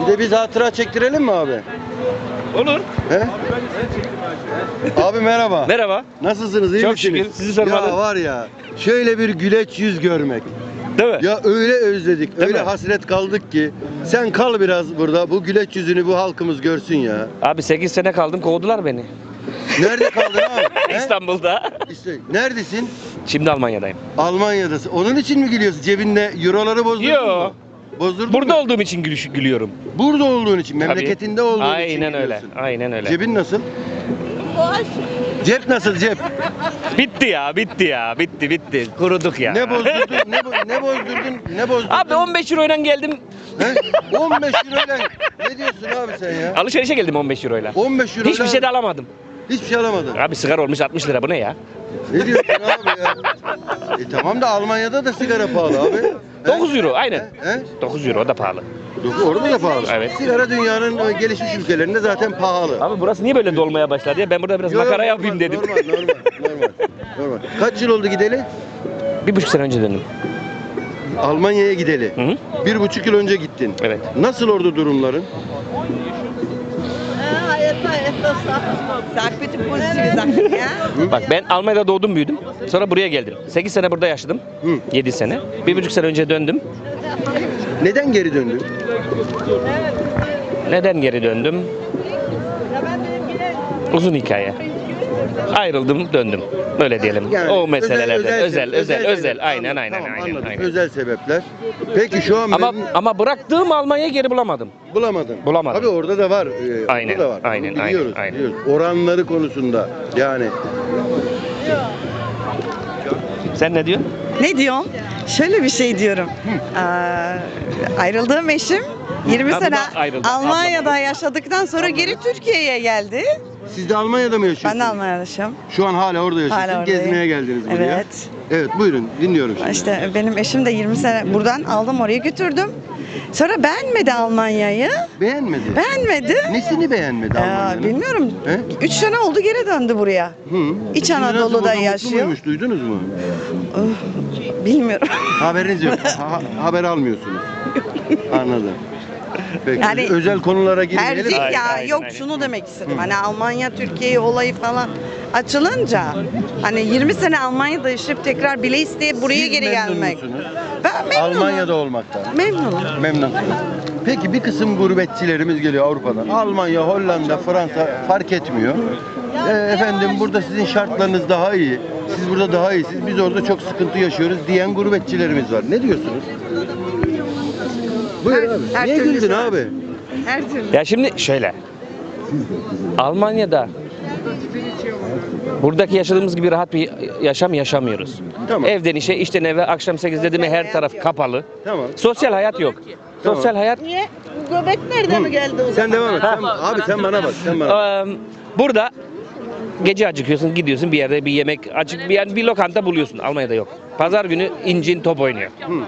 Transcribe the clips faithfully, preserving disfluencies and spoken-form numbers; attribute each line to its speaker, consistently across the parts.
Speaker 1: Bir de biz hatıra çektirelim mi abi?
Speaker 2: Olur.
Speaker 1: He? Abi merhaba.
Speaker 2: Merhaba.
Speaker 1: Nasılsınız? İyi
Speaker 2: Çok
Speaker 1: misiniz?
Speaker 2: şükür. Sizi sormalı.
Speaker 1: Ya var ya şöyle bir güleç yüz görmek.
Speaker 2: Değil mi?
Speaker 1: Ya öyle özledik,
Speaker 2: Değil
Speaker 1: öyle
Speaker 2: mi?
Speaker 1: hasret kaldık ki. Sen kal biraz burada, bu güleç yüzünü bu halkımız görsün ya.
Speaker 2: Abi sekiz sene kaldım, kovdular beni.
Speaker 1: Nerede kaldın abi? He?
Speaker 2: İstanbul'da.
Speaker 1: İşte neredesin?
Speaker 2: Şimdi Almanya'dayım.
Speaker 1: Almanya'dasın. Onun için mi gülüyorsun? Cebinde euroları bozdurdun
Speaker 2: Yo.
Speaker 1: mu? Bozdurdun
Speaker 2: Burada
Speaker 1: mu?
Speaker 2: olduğum için gülüş, gülüyorum.
Speaker 1: Burada olduğun için,
Speaker 2: Tabii.
Speaker 1: memleketinde olduğun için
Speaker 2: Aynen öyle.
Speaker 1: gülüyorsun.
Speaker 2: Aynen öyle.
Speaker 1: Cebin nasıl? Cep nasıl cep?
Speaker 2: Bitti ya, bitti ya, bitti, bitti. Kuruduk ya.
Speaker 1: Ne bozdurdun? ne, bo- ne bozdurdun? Ne bozdurdun?
Speaker 2: Abi on beş euroyla geldim.
Speaker 1: He? on beş euroyla. Ne diyorsun abi sen ya?
Speaker 2: Alışverişe geldim on beş euroyla.
Speaker 1: on beş euroyla.
Speaker 2: Hiçbir şey de alamadım.
Speaker 1: Hiçbir şey alamadın.
Speaker 2: Abi sigara olmuş altmış lira, bu ne ya?
Speaker 1: Ne diyorsun abi ya? E tamam da Almanya'da da sigara pahalı abi. He?
Speaker 2: dokuz euro aynen.
Speaker 1: He?
Speaker 2: dokuz euro, o da pahalı.
Speaker 1: Dok- Orada da pahalı.
Speaker 2: Evet.
Speaker 1: Sigara dünyanın e, gelişmiş ülkelerinde zaten pahalı.
Speaker 2: Abi burası niye böyle dolmaya başladı ya? Ben burada biraz
Speaker 1: Yo, yo,
Speaker 2: makara
Speaker 1: normal,
Speaker 2: yapayım dedim.
Speaker 1: Normal, normal, normal, normal. Kaç yıl oldu gideli?
Speaker 2: Bir buçuk sene önce döndüm.
Speaker 1: Almanya'ya gideli.
Speaker 2: Hı hı.
Speaker 1: Bir buçuk yıl önce gittin.
Speaker 2: Evet.
Speaker 1: Nasıl orada durumların?
Speaker 3: Sag bitte positive Sachen, ja?
Speaker 2: Bak ben Almanya'da doğdum büyüdüm. Sonra buraya geldim. sekiz sene burada yaşadım.
Speaker 1: Hı.
Speaker 2: yedi sene. Bir buçuk sene önce döndüm.
Speaker 1: Neden geri döndün?
Speaker 2: Neden geri döndüm? Uzun hikaye. Ayrıldım, döndüm. Böyle diyelim.
Speaker 1: Yani
Speaker 2: o meselelerden. Özel, özel, özel. özel,
Speaker 1: sebep.
Speaker 2: Aynen,
Speaker 1: Tamam,
Speaker 2: aynen,
Speaker 1: tamam,
Speaker 2: aynen.
Speaker 1: anladım.
Speaker 2: aynen.
Speaker 1: Özel sebepler. Peki şu an
Speaker 2: Ama
Speaker 1: memnun-
Speaker 2: ama bıraktığım Almanya'yı geri bulamadım.
Speaker 1: bulamadın.
Speaker 2: Bulamadım.
Speaker 1: Tabii orada da var. e,
Speaker 2: Aynen,
Speaker 1: orada da var.
Speaker 2: aynen,
Speaker 1: Bunu biliyoruz,
Speaker 2: aynen, aynen.
Speaker 1: biliyoruz. Oranları konusunda yani.
Speaker 2: Sen ne diyorsun?
Speaker 3: Ne diyorum? Şöyle bir şey diyorum. Ee, ayrıldığım eşim yirmi
Speaker 2: Ha, bu
Speaker 3: sene
Speaker 2: da ayrıldı.
Speaker 3: Almanya'da yaşadıktan sonra geri Türkiye'ye geldi.
Speaker 1: Siz de Almanya'da mı yaşıyorsunuz?
Speaker 3: Ben de Almanya'da yaşıyorum.
Speaker 1: Şu an hala orada yaşıyorsunuz.
Speaker 3: Hala oradayım.
Speaker 1: Gezmeye geldiniz buraya.
Speaker 3: Evet.
Speaker 1: Evet buyurun dinliyorum şimdi.
Speaker 3: İşte benim eşim de yirmi sene buradan aldım oraya götürdüm. Sonra beğenmedi Almanya'yı.
Speaker 1: Beğenmedi.
Speaker 3: Beğenmedi.
Speaker 1: Nesini beğenmedi
Speaker 3: Ee,
Speaker 1: Almanya'nın?
Speaker 3: bilmiyorum.
Speaker 1: He?
Speaker 3: Üç sene oldu geri döndü buraya.
Speaker 1: Hı.
Speaker 3: İç
Speaker 1: Şimdi nasıl,
Speaker 3: Anadolu'da
Speaker 1: burada mutlu
Speaker 3: yaşıyor.
Speaker 1: muymuş, duydunuz mu?
Speaker 3: Bilmiyorum.
Speaker 1: Haberiniz yok. Ha- haber almıyorsunuz. Anladım. Peki
Speaker 3: Yani-
Speaker 1: özel konulara girmeyelim.
Speaker 3: Tercih
Speaker 2: Aynen,
Speaker 3: ya
Speaker 2: aynen,
Speaker 3: yok
Speaker 2: aynen.
Speaker 3: şunu demek istedim. Hani Almanya Türkiye olayı falan açılınca hani yirmi sene Almanya'da yaşayıp tekrar bile isteyip buraya
Speaker 1: Siz
Speaker 3: geri
Speaker 1: memnun
Speaker 3: gelmek.
Speaker 1: musunuz?
Speaker 3: Ben memnunum.
Speaker 1: Almanya'da olmaktan.
Speaker 3: Memnunum.
Speaker 1: Memnunsunuz. Peki bir kısım gurbetçilerimiz geliyor Avrupa'dan. Almanya, Hollanda, Fransa fark etmiyor. Ee, efendim burada sizin şartlarınız daha iyi. Siz burada daha iyisiniz. Biz orada çok sıkıntı yaşıyoruz diyen gurbetçilerimiz var. Ne diyorsunuz? Buyur
Speaker 3: Her-
Speaker 1: abi.
Speaker 3: her
Speaker 1: Niye
Speaker 3: türlüsü
Speaker 1: güldün
Speaker 3: var.
Speaker 1: abi?
Speaker 3: Her türlü.
Speaker 2: Ya şimdi şöyle. Almanya'da buradaki yaşadığımız gibi rahat bir yaşam yaşamıyoruz.
Speaker 1: Tamam.
Speaker 2: Evden işe, işten eve, akşam sekizde mi her taraf kapalı.
Speaker 1: Tamam.
Speaker 2: Sosyal hayat yok.
Speaker 1: Tamam.
Speaker 2: Sosyal hayat
Speaker 3: Niye? Göbek nerede mi geldi o zaman?
Speaker 1: Sen devam et. Sen, abi sen bana bak. Sen bana bak.
Speaker 2: Eee, burada gece acıkıyorsun, gidiyorsun bir yerde bir yemek açık bir yani bir lokanta buluyorsun. Almanya'da yok. Pazar günü incin top oynuyor.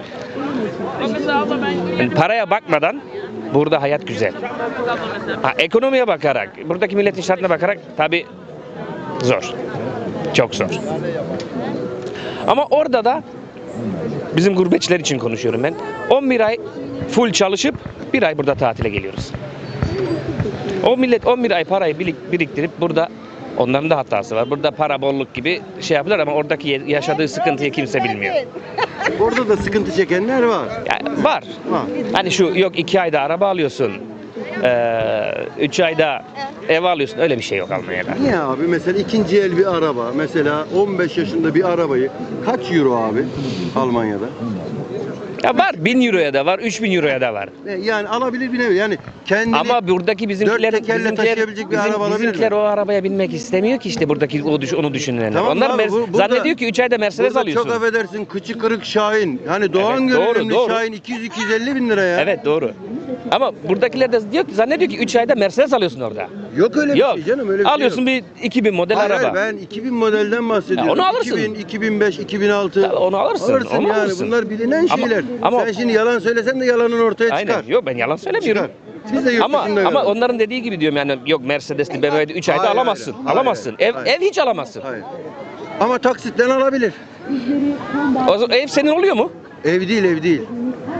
Speaker 2: Yani paraya bakmadan burada hayat güzel. Ha, ekonomiye bakarak, buradaki milletin şartına bakarak tabi zor. Çok zor. Ama orada da bizim gurbetçiler için konuşuyorum ben. on bir ay full çalışıp bir ay burada tatile geliyoruz. O millet on bir ay parayı birik- biriktirip burada onların da hatası var. Burada para bolluk gibi şey yapıyorlar ama oradaki yaşadığı sıkıntıyı kimse bilmiyor.
Speaker 1: Orada da sıkıntı çekenler var.
Speaker 2: Yani var.
Speaker 1: Var.
Speaker 2: Hani şu yok iki ayda araba alıyorsun. eee, Üç ayda ev alıyorsun. Öyle bir şey yok Almanya'da.
Speaker 1: Niye abi? Mesela ikinci el bir araba. Mesela on beş yaşında bir arabayı kaç euro abi Almanya'da?
Speaker 2: Ya var bin euroya da var, üç bin euroya da var.
Speaker 1: E, Yani alabilir bir nevi. Yani kendini
Speaker 2: Ama buradaki bizimkiler,
Speaker 1: dört tekerle
Speaker 2: bizimkiler,
Speaker 1: taşıyabilecek bir
Speaker 2: bizim-
Speaker 1: araba alabilir
Speaker 2: bizimkiler
Speaker 1: mi?
Speaker 2: o arabaya binmek istemiyor ki işte buradaki o düş, onu düşünenler.
Speaker 1: Tamam
Speaker 2: Onlar
Speaker 1: abi,
Speaker 2: Mer-
Speaker 1: bu- burada-
Speaker 2: zannediyor ki üç ayda Mercedes
Speaker 1: Burada
Speaker 2: alıyorsun.
Speaker 1: çok affedersin kıçı kırık Şahin. Hani Doğan
Speaker 2: Evet, doğru,
Speaker 1: görünümlü
Speaker 2: doğru.
Speaker 1: Şahin iki yüz iki yüz elli bin lira ya.
Speaker 2: Evet doğru. Ama buradakiler de diyor ki zannediyor ki üç ayda Mercedes alıyorsun orada.
Speaker 1: Yok öyle
Speaker 2: Yok.
Speaker 1: bir şey canım öyle bir
Speaker 2: Alıyorsun
Speaker 1: şey yok.
Speaker 2: bir iki bin model
Speaker 1: Hayır,
Speaker 2: araba.
Speaker 1: hayır, ben iki bin modelden bahsediyorum.
Speaker 2: Ya onu alırsın.
Speaker 1: iki bin, iki bin beş, iki bin altı.
Speaker 2: Tabii onu alırsın,
Speaker 1: Alırsın
Speaker 2: onu
Speaker 1: yani
Speaker 2: alırsın.
Speaker 1: bunlar bilinen
Speaker 2: Ama-
Speaker 1: şeyler.
Speaker 2: ama-
Speaker 1: Sen şimdi yalan söylesen de yalanın ortaya
Speaker 2: Aynen.
Speaker 1: çıkar.
Speaker 2: Yok ben yalan söylemiyorum.
Speaker 1: Çıkar. Biz de yurt
Speaker 2: Ama
Speaker 1: dışında
Speaker 2: ama
Speaker 1: gördük.
Speaker 2: onların dediği gibi diyorum yani yok Mercedes'li B M W'de üç ayda
Speaker 1: Hayır,
Speaker 2: alamazsın.
Speaker 1: hayır, hayır,
Speaker 2: alamazsın.
Speaker 1: hayır,
Speaker 2: ev
Speaker 1: hayır.
Speaker 2: ev hiç alamazsın.
Speaker 1: Hayır. Ama taksitten alabilir.
Speaker 2: O zaman ev senin oluyor mu?
Speaker 1: Ev değil ev değil.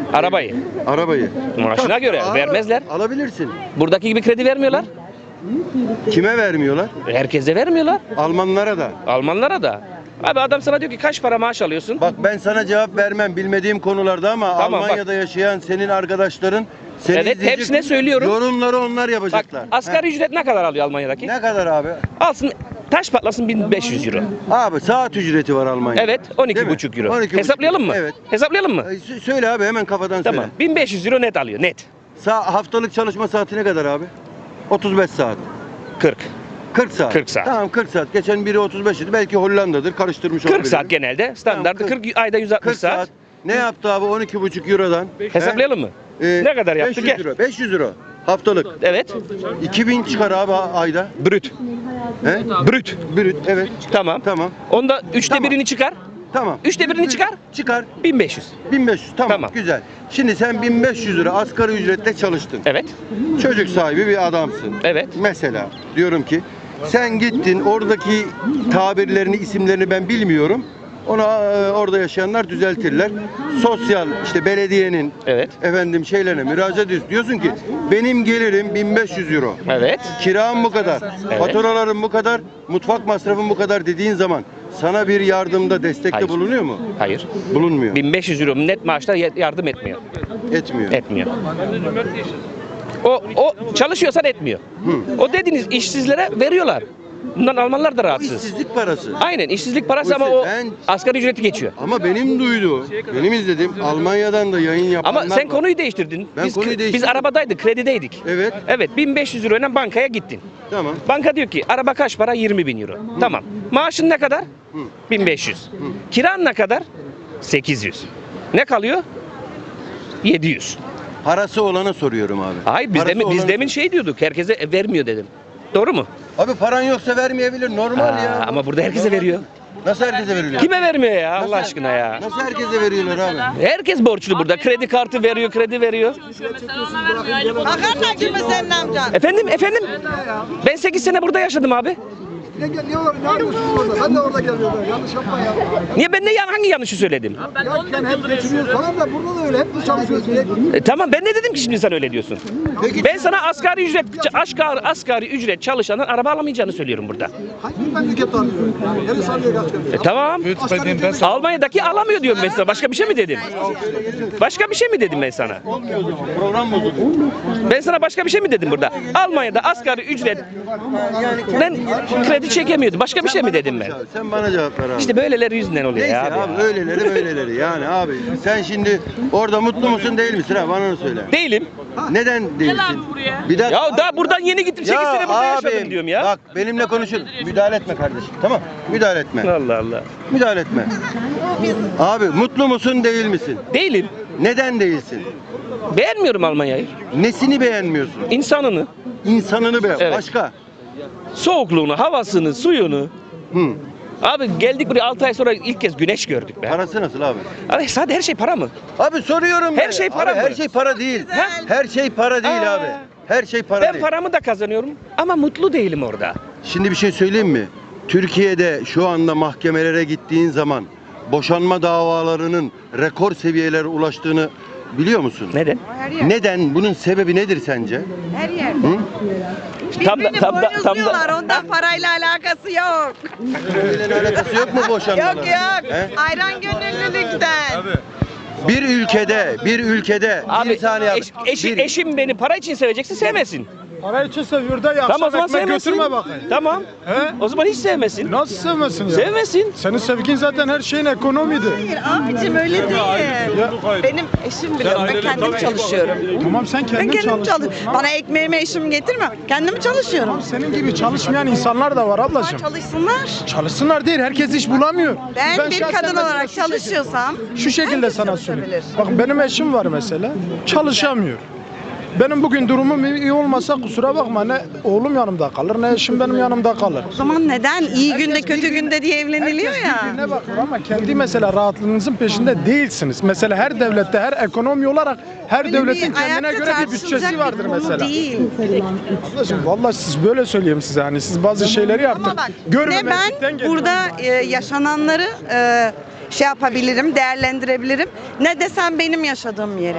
Speaker 2: Arabayı.
Speaker 1: Arabayı.
Speaker 2: Maaşına göre
Speaker 1: Aa,
Speaker 2: vermezler.
Speaker 1: Alabilirsin.
Speaker 2: Buradaki gibi kredi vermiyorlar.
Speaker 1: Kime vermiyorlar?
Speaker 2: Herkese vermiyorlar.
Speaker 1: Almanlara da.
Speaker 2: Almanlara da. Abi adam sana diyor ki kaç para maaş alıyorsun?
Speaker 1: Bak ben sana cevap vermem bilmediğim konularda ama
Speaker 2: Tamam,
Speaker 1: Almanya'da yaşayan senin arkadaşların seni
Speaker 2: Evet,
Speaker 1: izleyecek,
Speaker 2: hepsine söylüyorum.
Speaker 1: Yorumları onlar
Speaker 2: Bak
Speaker 1: yapacaklar.
Speaker 2: asgari
Speaker 1: He.
Speaker 2: ücret ne kadar alıyor Almanya'daki?
Speaker 1: Ne kadar abi?
Speaker 2: Alsın taş patlasın bin beş yüz euro.
Speaker 1: Abi saat ücreti var Almanya'da.
Speaker 2: Evet on iki
Speaker 1: Değil mi?
Speaker 2: buçuk euro.
Speaker 1: on iki buçuk.
Speaker 2: Hesaplayalım mı?
Speaker 1: Evet.
Speaker 2: Hesaplayalım mı?
Speaker 1: Ay, sö- Söyle abi hemen kafadan
Speaker 2: Tamam.
Speaker 1: söyle.
Speaker 2: bin beş yüz euro net alıyor net.
Speaker 1: Sa haftalık çalışma saati ne kadar abi? otuz beş saat.
Speaker 2: kırk.
Speaker 1: kırk saat.
Speaker 2: kırk saat.
Speaker 1: Tamam kırk saat. Geçen biri otuz beş idi. Belki Hollanda'dır. Karıştırmış olabilirim.
Speaker 2: kırk saat genelde. Standartı
Speaker 1: Tamam,
Speaker 2: kırk, ayda yüz altmış
Speaker 1: kırk saat.
Speaker 2: saat.
Speaker 1: Ne yaptı abi on iki buçuk eurodan?
Speaker 2: Hesaplayalım mı?
Speaker 1: He? Ee,
Speaker 2: Ne kadar yaptı?
Speaker 1: beş yüz
Speaker 2: Gel.
Speaker 1: euro. beş yüz euro. Haftalık.
Speaker 2: Evet.
Speaker 1: iki bin çıkar abi ayda.
Speaker 2: Brüt.
Speaker 1: He?
Speaker 2: Brüt.
Speaker 1: Brüt. Evet.
Speaker 2: Tamam.
Speaker 1: Tamam.
Speaker 2: Onda üçte
Speaker 1: Tamam.
Speaker 2: birini çıkar.
Speaker 1: Tamam.
Speaker 2: Üçte birini çıkar.
Speaker 1: Çıkar.
Speaker 2: bin beş yüz.
Speaker 1: bin beş yüz. Tamam.
Speaker 2: Tamam.
Speaker 1: Güzel. Şimdi sen bin beş yüz lira asgari ücretle çalıştın.
Speaker 2: Evet.
Speaker 1: Çocuk sahibi bir adamsın.
Speaker 2: Evet.
Speaker 1: Mesela diyorum ki sen gittin oradaki tabirlerini, isimlerini ben bilmiyorum. Ona e, orada yaşayanlar düzeltirler. Sosyal işte belediyenin
Speaker 2: Evet.
Speaker 1: efendim şeylerine müracaat ediyorsun. Diyorsun ki benim gelirim bin beş yüz euro.
Speaker 2: Evet.
Speaker 1: Kiram bu kadar.
Speaker 2: Evet.
Speaker 1: Faturalarım bu kadar. Mutfak masrafım bu kadar dediğin zaman sana bir yardımda, destekte
Speaker 2: Hayır.
Speaker 1: bulunuyor mu?
Speaker 2: Hayır.
Speaker 1: Bulunmuyor.
Speaker 2: bin beş yüz euro net maaşla ye- yardım etmiyor.
Speaker 1: Etmiyor.
Speaker 2: Etmiyor. O o çalışıyorsan etmiyor.
Speaker 1: Hı.
Speaker 2: O dediğiniz işsizlere veriyorlar. Bundan Almanlar da
Speaker 1: O
Speaker 2: rahatsız.
Speaker 1: işsizlik parası.
Speaker 2: Aynen işsizlik parası ama
Speaker 1: Oysa
Speaker 2: o
Speaker 1: ben-
Speaker 2: asgari ücreti geçiyor.
Speaker 1: Ama benim duyduğum, benim izlediğim Almanya'dan da yayın yapanlar
Speaker 2: Ama sen
Speaker 1: var.
Speaker 2: konuyu değiştirdin.
Speaker 1: Ben
Speaker 2: biz,
Speaker 1: konuyu
Speaker 2: biz
Speaker 1: değiştirdim.
Speaker 2: arabadaydık, kredideydik.
Speaker 1: Evet.
Speaker 2: Evet, bin beş yüz euroyla bankaya gittin.
Speaker 1: Tamam.
Speaker 2: Banka diyor ki araba kaç para? yirmi bin euro. Tamam. Maaşın ne kadar?
Speaker 1: Hı.
Speaker 2: bin beş yüz. Kiran ne kadar? sekiz yüz. Ne kalıyor? yedi yüz.
Speaker 1: Parası olana soruyorum abi.
Speaker 2: Hayır biz
Speaker 1: Parası
Speaker 2: demin, biz
Speaker 1: olana-
Speaker 2: demin şey diyorduk. Herkese e, vermiyor dedim. Doğru mu?
Speaker 1: Abi paran yoksa vermeyebilir normal
Speaker 2: Aa,
Speaker 1: ya.
Speaker 2: ama burada herkese veriyor.
Speaker 1: Nasıl herkese veriyorlar?
Speaker 2: Kime vermiyor ya Allah
Speaker 1: Nasıl-
Speaker 2: aşkına ya?
Speaker 1: Nasıl herkese veriyorlar abi?
Speaker 2: Herkes borçlu burada. Kredi kartı veriyor, kredi veriyor.
Speaker 3: Makarna gibi senin amcan.
Speaker 2: Efendim, efendim? Ben sekiz sene burada yaşadım abi.
Speaker 4: Ne, ne, ne, ne yapıyorsunuz orada? Ben de orada geliyorum. Yanlış yapma ya.
Speaker 2: Niye ben de yan- hangi yanlışı söyledim?
Speaker 4: Ya sen hep geçiriyorsun falan da burada da öyle. Hep mi çalışıyorsun?
Speaker 2: E, tamam ben ne dedim ki şimdi sen öyle diyorsun?
Speaker 1: Peki-
Speaker 2: Ben sana asgari ücret asgari, asgari ücret çalışanın araba alamayacağını söylüyorum burada.
Speaker 4: Hangi memleket arıyor? Neresi arıyor gerçekten?
Speaker 2: E, tamam. Almanya'daki alamıyor diyorum ben sana. Başka bir şey mi dedim? Başka bir şey mi dedim ben sana?
Speaker 1: Program bozuldu.
Speaker 2: Ben sana başka bir şey mi dedim burada? Almanya'da asgari ücret ben kredi çekemiyordum. Başka bir şey mi dedim ben?
Speaker 1: Sen bana cevap ver abi.
Speaker 2: İşte böyleleri yüzünden oluyor
Speaker 1: Neyse
Speaker 2: ya
Speaker 1: abi,
Speaker 2: abi.
Speaker 1: öyleleri böyleleri yani abi. Sen şimdi orada mutlu musun değil misin ha bana onu söyle.
Speaker 2: Değilim.
Speaker 1: Neden değilsin? Bir dakika.
Speaker 2: Ya daha buradan yeni gittim. sekiz sene burada yaşadım diyorum ya.
Speaker 1: Bak benimle konuşun. Müdahale etme kardeşim. Tamam? Müdahale etme.
Speaker 2: Allah Allah.
Speaker 1: Müdahale etme. Abi mutlu musun değil misin?
Speaker 2: Değilim.
Speaker 1: Neden değilsin?
Speaker 2: Beğenmiyorum Almanya'yı.
Speaker 1: Nesini beğenmiyorsun?
Speaker 2: İnsanını,
Speaker 1: İnsanını beğen.
Speaker 2: Evet.
Speaker 1: Başka?
Speaker 2: soğukluğunu, havasını, suyunu.
Speaker 1: Hı.
Speaker 2: Abi geldik buraya altı ay sonra ilk kez güneş gördük be.
Speaker 1: Parası nasıl abi?
Speaker 2: Abi sadece her şey para mı?
Speaker 1: Abi soruyorum.
Speaker 2: Her
Speaker 1: ben.
Speaker 2: şey para
Speaker 1: Abi,
Speaker 2: mı?
Speaker 1: Her şey para değil.
Speaker 2: Ha?
Speaker 1: Her şey para değil
Speaker 2: Aa.
Speaker 1: abi. Her şey para
Speaker 2: Ben
Speaker 1: değil.
Speaker 2: paramı da kazanıyorum ama mutlu değilim orada.
Speaker 1: Şimdi bir şey söyleyeyim mi? Türkiye'de şu anda mahkemelere gittiğin zaman boşanma davalarının rekor seviyelere ulaştığını biliyor musun?
Speaker 2: Neden?
Speaker 3: Her yer.
Speaker 1: Neden? Bunun sebebi nedir sence?
Speaker 3: Her yerde.
Speaker 1: Hı?
Speaker 2: Tam da-
Speaker 3: Birbirini
Speaker 2: tam da- tam da-
Speaker 3: boynuzluyorlar, ondan parayla alakası yok.
Speaker 1: Birbiriyle alakası yok mu boşanmaların?
Speaker 3: Yok yok.
Speaker 1: He?
Speaker 3: Ayran gönüllülükten.
Speaker 1: Bir ülkede, bir ülkede
Speaker 2: Abi
Speaker 1: bir saniye abi.
Speaker 2: eş- eşi-
Speaker 1: Bir-
Speaker 2: eşim beni para için sevecekse sevmesin.
Speaker 5: Para için seviyor da ya.
Speaker 2: Tamam o zaman
Speaker 5: ekmek
Speaker 2: sevmesin.
Speaker 5: götürme bakayım.
Speaker 2: Tamam.
Speaker 5: He?
Speaker 2: O zaman hiç sevmesin.
Speaker 5: Nasıl sevmesin ya?
Speaker 2: Sevmesin.
Speaker 5: Senin sevgin zaten her şeyin ekonomiydi.
Speaker 3: Hayır abicim öyle değil. Benim eşim biliyor. Ben kendim çalışıyorum.
Speaker 5: Tamam sen
Speaker 3: Ben
Speaker 5: kendin
Speaker 3: kendim
Speaker 5: çalış.
Speaker 3: çalışıyorum. Bana ekmeğimi eşim getirme. Kendim çalışıyorum.
Speaker 5: Senin gibi çalışmayan insanlar da var ablacığım.
Speaker 3: Çalışsınlar.
Speaker 5: Çalışsınlar değil, herkes iş bulamıyor.
Speaker 3: Ben, bir
Speaker 5: şahsen
Speaker 3: kadın
Speaker 5: mesela
Speaker 3: olarak
Speaker 5: şu şekilde-
Speaker 3: çalışıyorsam
Speaker 5: Şu şekilde
Speaker 3: herkes
Speaker 5: sana söyleyeyim.
Speaker 3: çalışabilir.
Speaker 5: Bak benim eşim var mesela, çalışamıyor. Benim bugün durumum iyi olmasa kusura bakma ne oğlum yanımda kalır ne eşim benim yanımda kalır.
Speaker 3: O zaman neden iyi günde kötü
Speaker 5: birbirine-
Speaker 3: günde diye evleniliyor
Speaker 5: Herkes
Speaker 3: ya?
Speaker 5: birbirine bakıyor ama kendi mesela rahatlığınızın peşinde değilsiniz. Mesela her devlette, her ekonomi olarak her
Speaker 3: Böyle
Speaker 5: devletin
Speaker 3: bir
Speaker 5: kendine
Speaker 3: ayakta
Speaker 5: göre bir
Speaker 3: tartışılacak
Speaker 5: bütçesi vardır
Speaker 3: bir konu
Speaker 5: mesela.
Speaker 3: Değil.
Speaker 5: Ablacığım vallahi siz böyle söyleyeyim size hani siz bazı şeyleri
Speaker 3: Ama
Speaker 5: artık
Speaker 3: bak ne
Speaker 5: görmemezlikten
Speaker 3: ben
Speaker 5: geliyor.
Speaker 3: burada e, yaşananları e, şey yapabilirim, değerlendirebilirim. Ne desem benim yaşadığım yeri.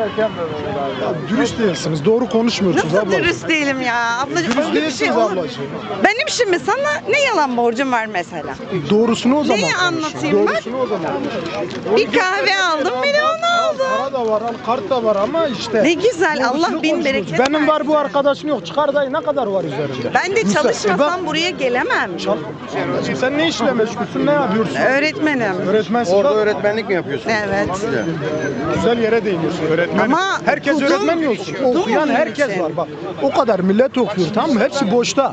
Speaker 5: Ya dürüst değilsiniz. Doğru konuşmuyorsunuz
Speaker 3: Nasıl
Speaker 5: ablacığım.
Speaker 3: dürüst değilim ya? Ablacığım
Speaker 5: Dürüst
Speaker 3: öyle bir
Speaker 5: değilsiniz
Speaker 3: şey olur.
Speaker 5: ablacığım.
Speaker 3: Benim şimdi sana ne yalan borcum var mesela?
Speaker 5: Doğrusunu o zaman
Speaker 3: Neyi
Speaker 5: konuşun.
Speaker 3: anlatayım ben?
Speaker 5: Doğrusunu o zaman konuşun.
Speaker 3: Bir kahve aldım, bir de onu aldım.
Speaker 5: Para da var, al kart da var ama işte.
Speaker 3: Ne güzel,
Speaker 5: doğrusunu
Speaker 3: Allah bin
Speaker 5: konuşuyoruz.
Speaker 3: bereket
Speaker 5: Benim var, bu
Speaker 3: versin.
Speaker 5: arkadaşın yok. Çıkar dayı, ne kadar var üzerinde?
Speaker 3: Ben de
Speaker 5: Güzel.
Speaker 3: çalışmasam
Speaker 5: E
Speaker 3: buraya gelemem.
Speaker 5: bak, çal- Ablacığım, sen ne işle meşgulsün, ne yapıyorsun?
Speaker 3: Öğretmenim.
Speaker 5: Öğretmensin.
Speaker 1: Orada
Speaker 5: bak.
Speaker 1: öğretmenlik mi yapıyorsun?
Speaker 3: Evet.
Speaker 1: Güzel.
Speaker 5: Güzel yere değiniyorsun öğretmen.
Speaker 3: Ama
Speaker 5: herkes
Speaker 3: okudum,
Speaker 5: öğretmen mi olsun?
Speaker 3: okudum
Speaker 5: Okuyan
Speaker 3: onun
Speaker 5: herkes
Speaker 3: için.
Speaker 5: var bak. O kadar millet okuyor, tamam mı? Hepsi boşta.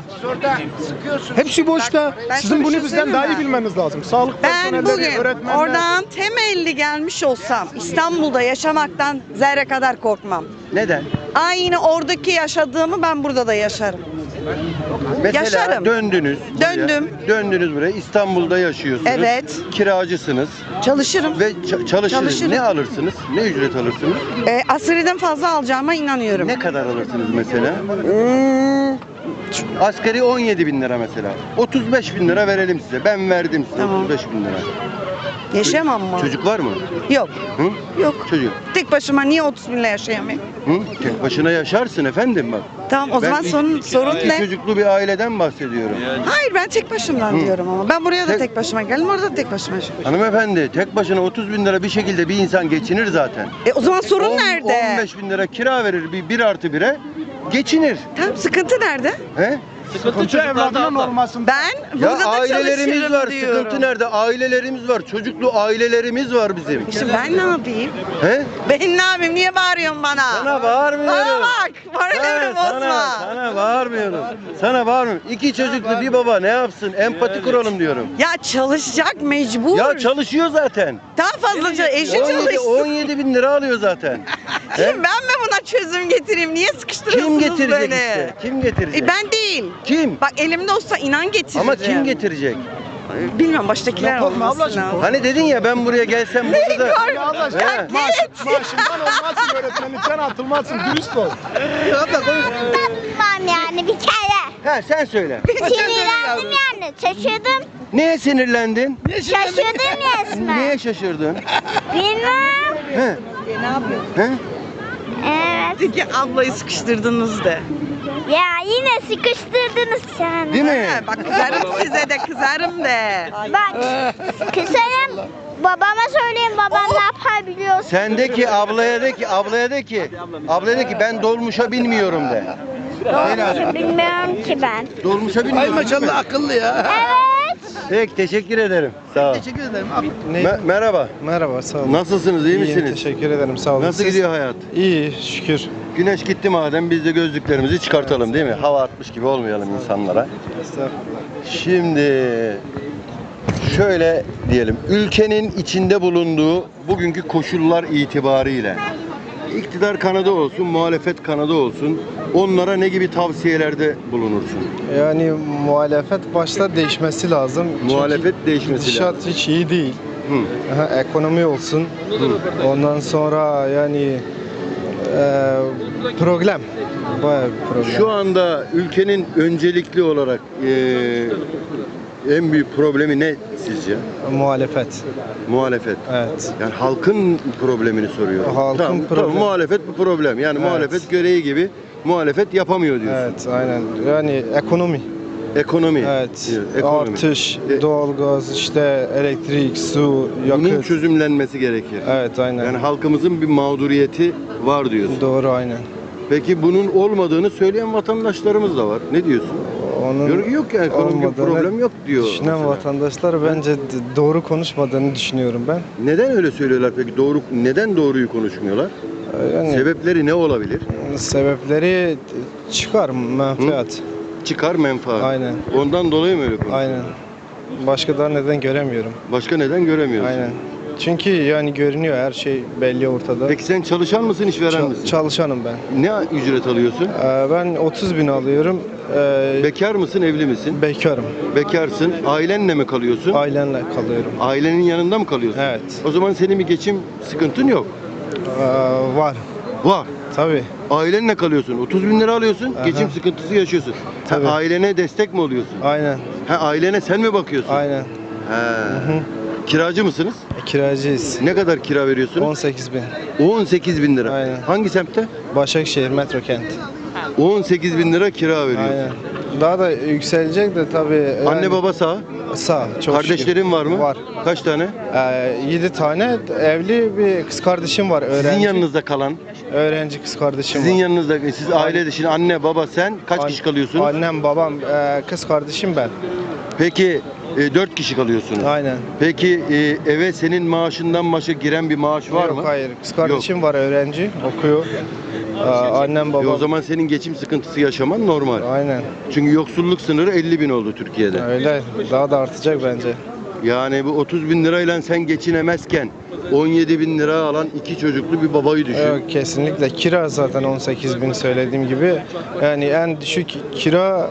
Speaker 5: Hepsi boşta.
Speaker 3: ben
Speaker 5: Sizin
Speaker 3: sana bir
Speaker 5: bunu
Speaker 3: şey
Speaker 5: bizden daha iyi
Speaker 3: söyleyeyim mi?
Speaker 5: bilmeniz lazım. Sağlık
Speaker 3: Ben
Speaker 5: personelleri,
Speaker 3: bugün
Speaker 5: öğretmenler.
Speaker 3: oradan temelli gelmiş olsam İstanbul'da yaşamaktan zerre kadar korkmam.
Speaker 1: Neden?
Speaker 3: Aynı oradaki yaşadığımı ben burada da yaşarım.
Speaker 1: Mesela
Speaker 3: Yaşarım.
Speaker 1: döndünüz. buraya.
Speaker 3: Döndüm.
Speaker 1: Döndünüz buraya. İstanbul'da yaşıyorsunuz.
Speaker 3: Evet.
Speaker 1: Kiracısınız
Speaker 3: Çalışırım.
Speaker 1: ve ça- çalışırsınız.
Speaker 3: Çalışırım.
Speaker 1: Ne alırsınız? Ne ücret alırsınız?
Speaker 3: E, asgariden fazla alacağıma inanıyorum.
Speaker 1: Ne kadar alırsınız mesela?
Speaker 3: Hmm,
Speaker 1: Asgari on yedi bin lira mesela. otuz beş bin lira verelim size. Ben verdim size
Speaker 3: Tamam.
Speaker 1: otuz beş bin lira.
Speaker 3: yaşayamam mı?
Speaker 1: Çocuk var mı?
Speaker 3: Yok.
Speaker 1: Hı?
Speaker 3: Yok.
Speaker 1: Çocuk.
Speaker 3: Tek başıma niye otuz binle yaşayamayayım?
Speaker 1: Hı? Tek başına yaşarsın efendim bak.
Speaker 3: Tamam o
Speaker 1: Ben
Speaker 3: zaman
Speaker 1: iki-
Speaker 3: sorun, sorun
Speaker 1: iki
Speaker 3: ne?
Speaker 1: çocuklu bir aileden bahsediyorum.
Speaker 3: Hayır ben tek başımdan
Speaker 1: Hı.
Speaker 3: diyorum ama. Ben buraya da
Speaker 1: Tek-
Speaker 3: tek başıma geldim, orada da tek başıma yaşıyorum.
Speaker 1: Hanımefendi tek başına otuz bin lira bir şekilde bir insan geçinir zaten.
Speaker 3: E o zaman sorun
Speaker 1: on-
Speaker 3: nerede?
Speaker 1: on beş bin lira kira verir bir, bir artı bire geçinir.
Speaker 3: Tamam sıkıntı nerede?
Speaker 1: He?
Speaker 5: Sıkıntı evladının olmasın.
Speaker 3: Ben
Speaker 1: Ya
Speaker 3: burada da
Speaker 1: ailelerimiz
Speaker 3: çalışırım
Speaker 1: var.
Speaker 3: diyorum.
Speaker 1: Sıkıntı nerede? Ailelerimiz var. Çocuklu ailelerimiz var bizim.
Speaker 3: İşte ben ne yapayım?
Speaker 1: He?
Speaker 3: Ben ne yapayım? Niye bağırıyorsun bana?
Speaker 1: Sana bağırmıyorum.
Speaker 3: Bana bak. Moralimi
Speaker 1: Ha,
Speaker 3: bozma.
Speaker 1: Sana, sana bağırmıyorum. Sana bağırmıyorum. İki çocuklu bir baba ne yapsın? Empati kuralım diyorum.
Speaker 3: Ya çalışacak mecbur.
Speaker 1: Ya çalışıyor zaten.
Speaker 3: Daha fazla çalış. Eşi
Speaker 1: on yedi,
Speaker 3: çalışsın.
Speaker 1: on yedi bin lira alıyor zaten. He?
Speaker 3: Şimdi ben mi buna çözüm getireyim? Niye sıkıştırıyorsunuz
Speaker 1: Kim getirecek
Speaker 3: beni?
Speaker 1: işte? Kim getirecek?
Speaker 3: E ben değil.
Speaker 1: Kim?
Speaker 3: Bak elimde olsa inan getiririm.
Speaker 1: Ama kim getirecek?
Speaker 3: Bilmiyorum baştakiler
Speaker 5: Yapalım
Speaker 3: olması
Speaker 5: ablacığım.
Speaker 3: lazım.
Speaker 1: Hani dedin ya ben buraya gelsem burada da...
Speaker 5: Ya Allah aşkına,
Speaker 1: He.
Speaker 5: maaş, maaşından olmazsın, öğretmenlikten atılmazsın, dürüst ol.
Speaker 1: Abla konuş.
Speaker 6: Tamam yani bir kere.
Speaker 1: Ha sen söyle.
Speaker 6: Sinirlendim yani. Şaşırdım.
Speaker 1: Neye sinirlendin?
Speaker 6: Şaşırdım resmen.
Speaker 1: Niye şaşırdın?
Speaker 6: Bilmem.
Speaker 1: He?
Speaker 3: Ne yapıyorsun?
Speaker 1: He?
Speaker 6: Evet.
Speaker 3: Peki ablayı sıkıştırdınız de.
Speaker 6: Ya yine sıkıştırdınız sen.
Speaker 1: Değil mi?
Speaker 3: Ha, bak kızarım size de kızarım de.
Speaker 6: Bak kısarım. Babama söyleyeyim, babam ne yapar biliyorsun.
Speaker 1: Sendeki ablaya de ki, ablaya de ki, ablaya de ki ben dolmuşa binmiyorum de. Söyle hadi.
Speaker 6: Bilmiyorum ki ben.
Speaker 1: Dolmuşa binmiyorum. Maşallah akıllı ya.
Speaker 6: Evet.
Speaker 1: Peki teşekkür ederim. Sağ ol.
Speaker 7: Teşekkür ederim. Abi,
Speaker 1: Me- merhaba.
Speaker 5: Merhaba, sağ olun.
Speaker 1: Nasılsınız? iyi
Speaker 5: İyiyim,
Speaker 1: misiniz?
Speaker 5: teşekkür ederim, sağ olun.
Speaker 1: Nasıl
Speaker 5: Siz-
Speaker 1: gidiyor hayat?
Speaker 5: İyi, şükür.
Speaker 1: Güneş gitti madem biz de gözlüklerimizi çıkartalım değil mi? Hava atmış gibi olmayalım insanlara.
Speaker 5: Estağfurullah.
Speaker 1: Şimdi şöyle diyelim. Ülkenin içinde bulunduğu bugünkü koşullar itibariyle iktidar kanadı olsun, muhalefet kanadı olsun onlara ne gibi tavsiyelerde bulunursun?
Speaker 8: Yani muhalefet başta değişmesi lazım. Çünkü
Speaker 1: Muhalefet değişmesi
Speaker 8: gidişat
Speaker 1: lazım.
Speaker 8: hiç iyi değil.
Speaker 1: Hı.
Speaker 8: Aha, ekonomi olsun. Ondan sonra yani e, problem. Bayağı bir problem.
Speaker 1: Şu anda ülkenin öncelikli olarak eee, en büyük problemi ne sizce?
Speaker 8: Muhalefet.
Speaker 1: Muhalefet.
Speaker 8: Evet.
Speaker 1: Yani halkın problemini soruyorum.
Speaker 8: Halkın
Speaker 1: tamam,
Speaker 8: problemi.
Speaker 1: Tamam, muhalefet bu problem. Yani
Speaker 8: Evet.
Speaker 1: muhalefet gereği gibi muhalefet yapamıyor diyorsun.
Speaker 8: Evet, aynen. Yani ekonomi.
Speaker 1: Ekonomi.
Speaker 8: Evet.
Speaker 1: diyor, ekonomi.
Speaker 8: Artış,
Speaker 1: E-
Speaker 8: doğalgaz, işte elektrik, su,
Speaker 1: Bunun
Speaker 8: yakıt.
Speaker 1: çözümlenmesi gerekir.
Speaker 8: Evet, aynen.
Speaker 1: Yani halkımızın bir mağduriyeti var diyorsun.
Speaker 8: Doğru, aynen.
Speaker 1: Peki bunun olmadığını söyleyen vatandaşlarımız da var. Ne diyorsun?
Speaker 8: Onun
Speaker 1: Diyor ki yok ya ekonomik bir
Speaker 8: olmadığını
Speaker 1: problem yok diyor.
Speaker 8: Düşünen
Speaker 1: mesela.
Speaker 8: vatandaşlar bence d- doğru konuşmadığını düşünüyorum ben.
Speaker 1: Neden öyle söylüyorlar peki? Doğru neden doğruyu konuşmuyorlar?
Speaker 8: Ee, Yani
Speaker 1: Sebepleri ne olabilir?
Speaker 8: sebepleri çıkar menfaat.
Speaker 1: Çıkar menfaat.
Speaker 8: Aynen.
Speaker 1: Ondan dolayı mı öyle konuşuyor?
Speaker 8: Aynen. Başka da neden göremiyorum.
Speaker 1: Başka neden göremiyorsun?
Speaker 8: Aynen. Çünkü yani görünüyor, her şey belli ortada.
Speaker 1: Peki sen çalışan mısın, işveren
Speaker 8: Çal-
Speaker 1: misin?
Speaker 8: çalışanım ben.
Speaker 1: Ne ücret alıyorsun?
Speaker 8: Ee, ben otuz bin alıyorum. Ee,
Speaker 1: Bekar mısın, evli misin?
Speaker 8: bekarım.
Speaker 1: Bekarsın. Ailenle mi kalıyorsun?
Speaker 8: Ailenle kalıyorum.
Speaker 1: Ailenin yanında mı kalıyorsun?
Speaker 8: Evet.
Speaker 1: O zaman senin bir geçim sıkıntın yok.
Speaker 8: Ee, var.
Speaker 1: Var.
Speaker 8: Tabii.
Speaker 1: Ailenle kalıyorsun. otuz bin lira alıyorsun.
Speaker 8: Aha.
Speaker 1: Geçim sıkıntısı yaşıyorsun. Ha,
Speaker 8: Tabii.
Speaker 1: ailene destek mi oluyorsun?
Speaker 8: Aynen.
Speaker 1: Ha, ailene sen mi bakıyorsun?
Speaker 8: Aynen.
Speaker 1: Ha.
Speaker 8: Hı.
Speaker 1: Kiracı mısınız?
Speaker 8: Kiracıyız.
Speaker 1: Ne kadar kira veriyorsunuz?
Speaker 8: on sekiz bin.
Speaker 1: on sekiz bin lira.
Speaker 8: Aynen.
Speaker 1: Hangi semtte?
Speaker 8: Başakşehir Metro Kent.
Speaker 1: on sekiz bin lira kira veriyorsun.
Speaker 8: Aynen. Daha da yükselecek de tabii.
Speaker 1: Anne
Speaker 8: yani
Speaker 1: baba sağ.
Speaker 8: sağ. Çok
Speaker 1: Kardeşlerin
Speaker 8: şükür.
Speaker 1: var mı?
Speaker 8: Var.
Speaker 1: Kaç tane?
Speaker 8: Ee, yedi tane evli bir kız kardeşim var. Öğrenci.
Speaker 1: Sizin yanınızda kalan.
Speaker 8: Öğrenci kız kardeşim
Speaker 1: Sizin
Speaker 8: var.
Speaker 1: yanınızda siz aile dışı anne baba sen kaç
Speaker 8: An-
Speaker 1: kişi kalıyorsunuz?
Speaker 8: Annem, babam, e, kız kardeşim ben.
Speaker 1: Peki e, dört kişi kalıyorsunuz.
Speaker 8: Aynen.
Speaker 1: Peki e, eve senin maaşından başa giren bir maaş var
Speaker 8: Yok,
Speaker 1: mı?
Speaker 8: hayır. Kız kardeşim var, öğrenci, okuyor. Ee, annem,
Speaker 1: E,
Speaker 8: babam.
Speaker 1: o zaman senin geçim sıkıntısı yaşaman normal.
Speaker 8: Aynen.
Speaker 1: Çünkü yoksulluk sınırı elli bin oldu Türkiye'de.
Speaker 8: Öyle. Daha da artacak bence.
Speaker 1: Yani bu otuz bin lirayla sen geçinemezken on yedi bin lira alan iki çocuklu bir babayı düşün.
Speaker 8: Yok, kesinlikle. Kira zaten on sekiz bin söylediğim gibi. Yani en düşük kira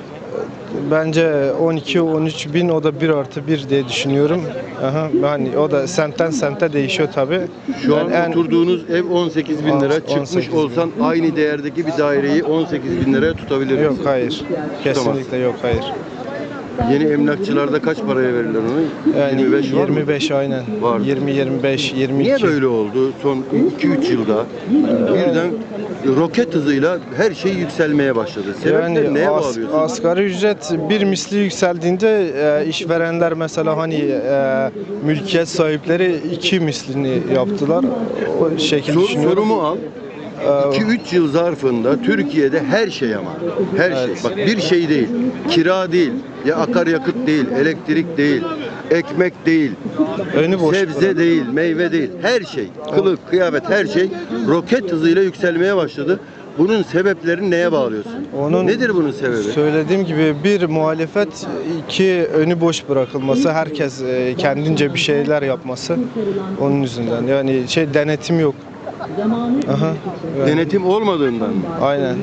Speaker 8: e, bence on iki on üç bin, o da bir artı bir diye düşünüyorum. Aha, hani o da semtten semte değişiyor tabi.
Speaker 1: Şu an oturduğunuz ev on sekiz bin lira.
Speaker 8: on
Speaker 1: Çıkmış
Speaker 8: sekiz bin.
Speaker 1: olsan aynı değerdeki bir daireyi on sekiz bin liraya tutabilir
Speaker 8: Yok,
Speaker 1: misin?
Speaker 8: hayır. Kesinlikle yok, hayır.
Speaker 1: Yeni emlakçılarda kaç paraya verirler onu?
Speaker 8: Yani
Speaker 1: yirmi beş var mı?
Speaker 8: yirmi beş aynen.
Speaker 1: Var.
Speaker 8: yirmi yirmi beş yirmi iki.
Speaker 1: Niye böyle oldu? Son iki üç yılda birden roket hızıyla her şey yükselmeye başladı. Sebepleri
Speaker 8: Yani
Speaker 1: neye
Speaker 8: as-
Speaker 1: bağlıyorsun?
Speaker 8: asgari ücret bir misli yükseldiğinde e, işverenler mesela hani e, mülkiyet sahipleri iki mislini yaptılar. O şekilde
Speaker 1: Sor,
Speaker 8: düşünüyorum.
Speaker 1: sorumu al.
Speaker 8: Ee,
Speaker 1: iki üç yıl zarfında Türkiye'de her şey ama her
Speaker 8: Evet.
Speaker 1: şey. Bak bir şey değil. Kira değil, ya akaryakıt değil, elektrik değil, ekmek değil,
Speaker 8: önü boş.
Speaker 1: sebze
Speaker 8: bırak.
Speaker 1: değil, meyve değil. Her şey, kılık, kıyafet her şey roket hızıyla yükselmeye başladı. Bunun sebeplerini neye bağlıyorsun?
Speaker 8: Onun
Speaker 1: Nedir bunun sebebi?
Speaker 8: Söylediğim gibi bir muhalefet, iki önü boş bırakılması, herkes e, kendince bir şeyler yapması onun yüzünden. Yani şey, denetim yok. Aha. Yani,
Speaker 1: Denetim olmadığından mı?
Speaker 8: aynen.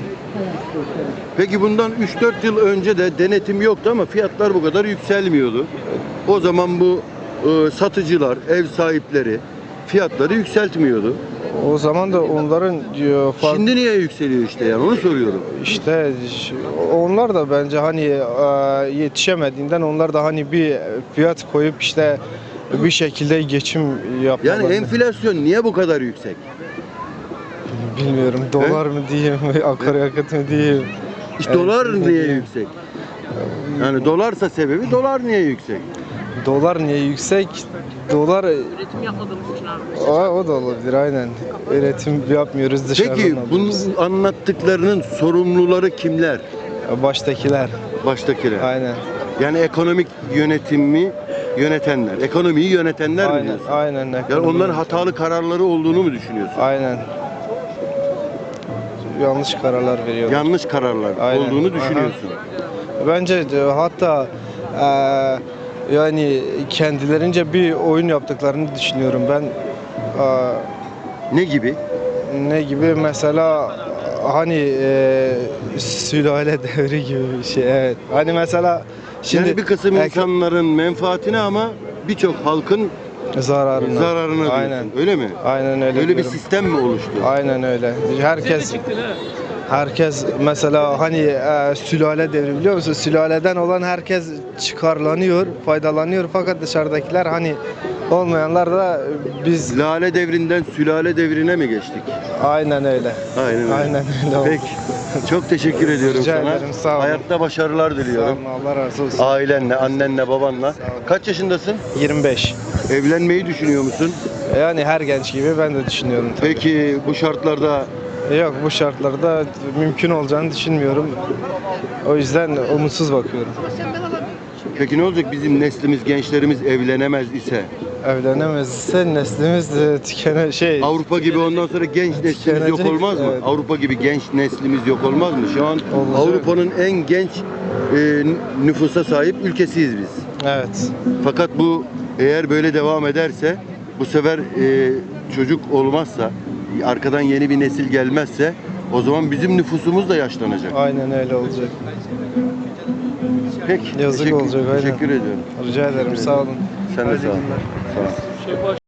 Speaker 1: Peki bundan üç dört yıl önce de denetim yoktu ama fiyatlar bu kadar yükselmiyordu. O zaman bu e, satıcılar, ev sahipleri fiyatları yükseltmiyordu.
Speaker 8: O zaman da onların e, fark-
Speaker 1: Şimdi niye yükseliyor işte yani onu soruyorum.
Speaker 8: İşte ş- onlar da bence hani e, yetişemediğinden onlar da hani bir fiyat koyup işte bir şekilde geçim yapmalarını.
Speaker 1: Yani enflasyon niye bu kadar yüksek?
Speaker 8: Bilmiyorum, dolar mı diyeyim, akaryakıt mı diyeyim.
Speaker 1: İşte
Speaker 8: Evet,
Speaker 1: dolar
Speaker 8: ne
Speaker 1: niye
Speaker 8: diyeyim?
Speaker 1: yüksek? Yani dolarsa sebebi dolar niye yüksek?
Speaker 8: Dolar niye yüksek? Dolar üretim yapmadığımız için abi. O, o da olabilir, aynen. Üretim yapmıyoruz, dışarıdan
Speaker 1: Peki
Speaker 8: alıyoruz.
Speaker 1: bunun anlattıklarının sorumluları kimler?
Speaker 8: Baştakiler,
Speaker 1: Baştakiler.
Speaker 8: aynen.
Speaker 1: Yani ekonomik yönetimi yönetenler, ekonomiyi yönetenler mi
Speaker 8: Aynen,
Speaker 1: diyorsun?
Speaker 8: aynen.
Speaker 1: Yani
Speaker 8: ekonomi.
Speaker 1: onların hatalı kararları olduğunu mu düşünüyorsun?
Speaker 8: Aynen. Yanlış kararlar veriyorlar.
Speaker 1: Yanlış kararlar
Speaker 8: Aynen.
Speaker 1: olduğunu
Speaker 8: Aha.
Speaker 1: düşünüyorsun.
Speaker 8: Bence de hatta eee, yani kendilerince bir oyun yaptıklarını düşünüyorum ben. Eee,
Speaker 1: Ne gibi?
Speaker 8: ne gibi mesela hani eee sülale devri gibi bir şey, evet. Hani mesela şimdi
Speaker 1: yani bir kısım
Speaker 8: ek-
Speaker 1: insanların menfaatine ama birçok halkın
Speaker 8: zararına.
Speaker 1: zararına diyorsun.
Speaker 8: Aynen.
Speaker 1: Öyle mi?
Speaker 8: Aynen öyle.
Speaker 1: Öyle bir
Speaker 8: diyorum.
Speaker 1: sistem mi oluştu?
Speaker 8: Aynen öyle. Herkes herkes mesela hani e, sülale devri, biliyor musun? Sülaleden olan herkes çıkarlanıyor, faydalanıyor, fakat dışarıdakiler hani olmayanlar da biz
Speaker 1: Lale devrinden sülale devrine mi geçtik?
Speaker 8: aynen öyle.
Speaker 1: Aynen öyle.
Speaker 8: Aynen öyle oldu.
Speaker 1: Peki. Çok teşekkür ediyorum
Speaker 8: Rica
Speaker 1: sana.
Speaker 8: ederim, sağ olun.
Speaker 1: Hayatta başarılar
Speaker 8: Sağ
Speaker 1: diliyorum.
Speaker 8: olun, Allah razı olsun.
Speaker 1: Ailenle, annenle, babanla.
Speaker 8: olun.
Speaker 1: Kaç yaşındasın?
Speaker 8: yirmi beş.
Speaker 1: Evlenmeyi düşünüyor musun?
Speaker 8: Yani her genç gibi ben de düşünüyorum tabii.
Speaker 1: Peki bu şartlarda
Speaker 8: Yok, bu şartlarda mümkün olacağını düşünmüyorum. O yüzden umutsuz bakıyorum.
Speaker 1: peki ne olacak bizim neslimiz, gençlerimiz evlenemez ise?
Speaker 8: Evlenemezse neslimiz de tükene şey.
Speaker 1: Avrupa gibi ondan sonra genç neslimiz yok
Speaker 8: Tükenecek,
Speaker 1: olmaz mı?
Speaker 8: evet.
Speaker 1: Avrupa gibi genç neslimiz yok olmaz mı? Şu an
Speaker 8: Olacak.
Speaker 1: Avrupa'nın en genç e, nüfusa sahip ülkesiyiz biz.
Speaker 8: Evet.
Speaker 1: Fakat bu eğer böyle devam ederse bu sefer e, çocuk olmazsa, arkadan yeni bir nesil gelmezse o zaman bizim nüfusumuz da yaşlanacak.
Speaker 8: Aynen öyle olacak.
Speaker 1: Peki.
Speaker 8: Yazık
Speaker 1: teşekkür,
Speaker 8: olacak, aynen.
Speaker 1: Teşekkür ediyorum.
Speaker 8: Rica ederim. Sağ olun.
Speaker 1: Sen de sağ ol. Sağ ol.